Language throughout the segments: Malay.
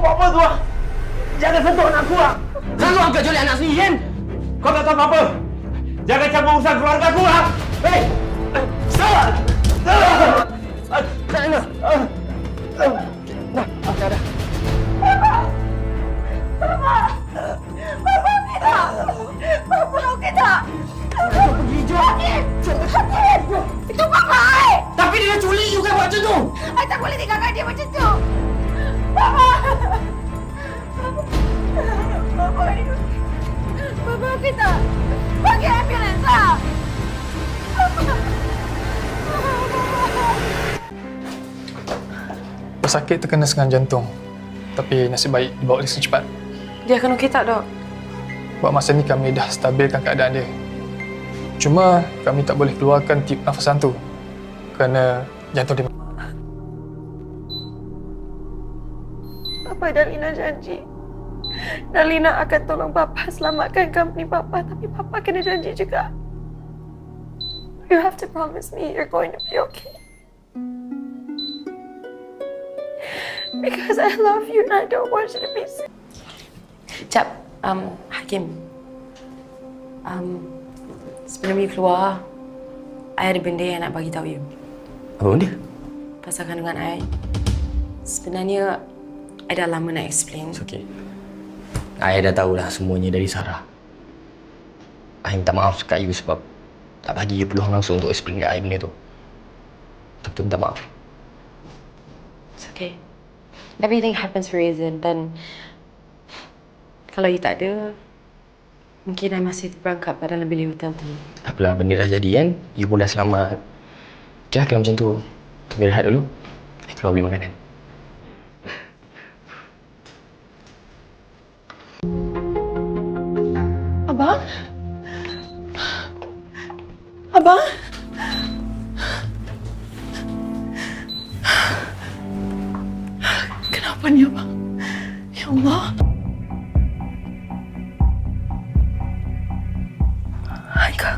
buat apa tu? Jangan sentuh anak aku. Selalu angkat jolek anak sendiri kan? Kau tak tahu apa-apa. Jangan campur urusan keluarga aku. Hei! Salah! Dah. Bapa okey tak? Kau pergi jom. Hakim! Itu Bapa I! Tapi dia dah culik you kan buat macam tu. I tak boleh tinggalkan dia macam tu. Bapa! Bapa okey tak? Panggil ambulans lah! Pesakit terkena serangan jantung. Tapi nasib baik dibawa oleh secepat. Dia akan okey tak, Dok? Buat masa ni kami dah stabilkan keadaan dia. Cuma kami tak boleh keluarkan tip nafasan tu kerana jantung dia. Papa dan Lina janji. Dan Lina akan tolong Papa selamatkan company Papa. Tapi Papa kena janji juga. You have to promise me you're going to be okay. Because I love you and I don't want you to be sick. Jap, Hakim. Sebelum you keluar, I ada benda yang nak bagi tahu you. Apa benda? Pasal kandungan I. Sebenarnya, I dah lama nak explain. It's okay. I dah tahulah semuanya dari Sarah. I minta maaf kat you sebab tak bagi you peluang langsung untuk explain kat I benda tu. Betul minta maaf. It's okay. Everything happens for a reason. Dan kalau you tak ada, mungkin I masih terperangkap pada dalam bilik hotel tu. Tak apalah, benda dah jadi kan. You pun dah selamat. Okay lah, kalau macam tu, kita rehat dulu. I keluar beli makanan. Abang? Abang? Kenapa ni, Abang? Ya Allah. Haikal.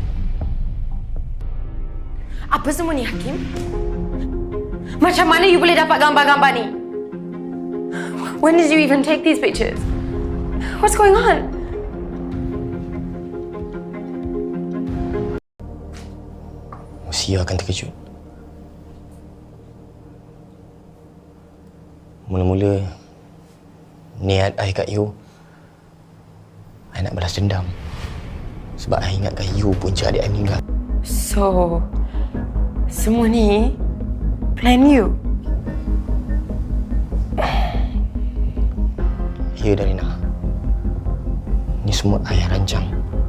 Apa semua ni, Hakim? Macam mana you boleh dapat gambar-gambar ni? When did you even take these pictures? What's going on? Sia akan terkejut. Mula-mula, niat I kat you, I nak balas dendam. Sebab I ingatkan you punca adik I meninggal. So, semua ni plan you? Ya, Darina. Ni semua I yang rancang.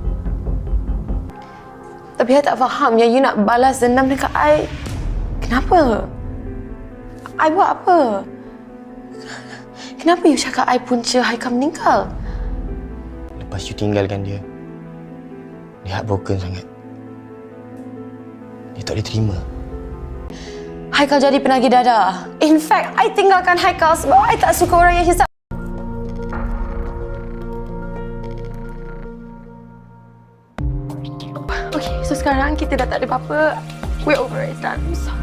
Tapi I tak faham yang you nak balas dendam dekat I. Kenapa? I buat apa? Kenapa you cakap I punca Haikal meninggal? Lepas you tinggalkan dia, dia heartbroken sangat. Dia tak boleh terima. Haikal jadi penagih dadah. In fact, I tinggalkan Haikal sebab I tak suka orang yang hisap. Okay, so sekarang kita dah tak ada apa-apa. We're over it, done. So,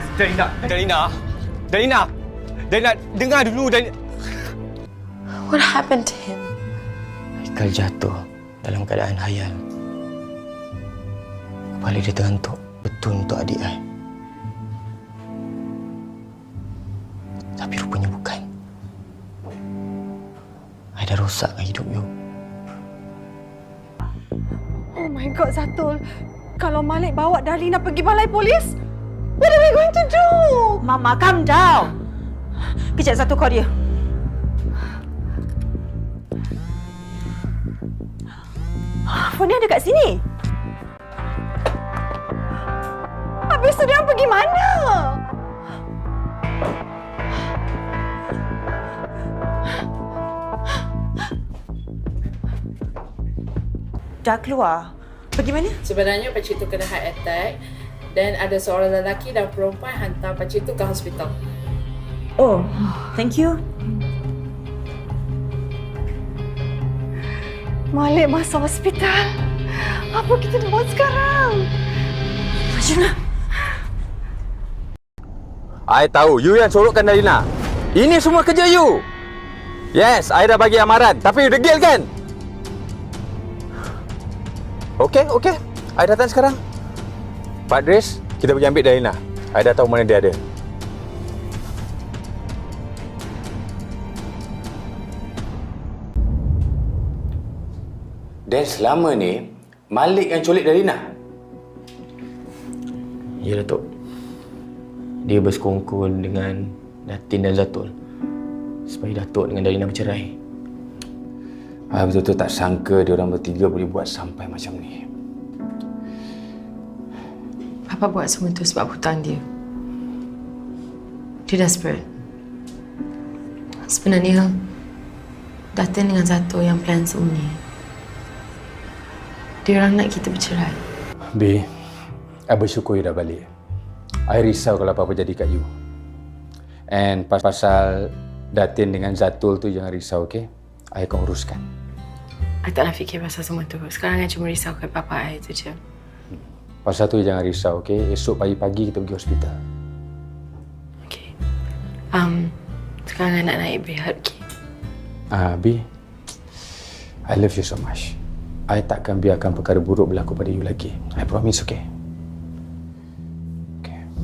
Darina, dengar dulu. what happened to him? Haikal jatuh dalam keadaan hayal. Kepala dia terhentuk betul untuk adik I. Tapi rupanya bukan. I dah rosakkan hidup you. Oh my God, Zatul. Kalau Malik bawa Darlina pergi balai polis, what are we going to do? Mama, calm down. Kejap, satu call dia. Phone dia ada kat sini. Habis tu dia orang pergi mana? Dah keluar. Pergi mana? Sebenarnya pakcik tu kena heart attack dan ada seorang lelaki dan perempuan hantar pakcik tu ke hospital. Oh, thank you. Malik masuk hospital. Apa kita nak buat sekarang? Macam I tahu you yang sorokkan Darina. Ini semua kerja you. Yes, I dah bagi amaran. Tapi you degil kan? Okey. I datang sekarang. Pak Dres, kita pergi ambil Dalina. I dah tahu mana dia ada. Dan selama ni, Malik yang culik Dalina. Ya, Datuk. Dia bersekongkol dengan Datin dan Zatul supaya Datuk dengan Dalina bercerai. I betul-betul tak sangka dia orang bertiga boleh buat sampai macam ni. Papa buat semua tu sebab hutang dia. Dia desperate. Sebenarnya, Datin dengan Zato yang plan semua ni. Dia orang nak kita bercerai. B, I bersyukur you dah balik. I risau kalau apa-apa jadi kat you. And pasal Datin dengan Zatul tu jangan risau, okey? I akan uruskan. I tak nak fikir pasal semua tu. Sekarang I cuma risaukan papa I tu je. Pasal tu jangan risau, okey? Esok pagi-pagi kita pergi hospital. Okay. Sekarang I nak naik behat, okay? B, I love you so much. I takkan biarkan perkara buruk berlaku pada you lagi. I promise, okay?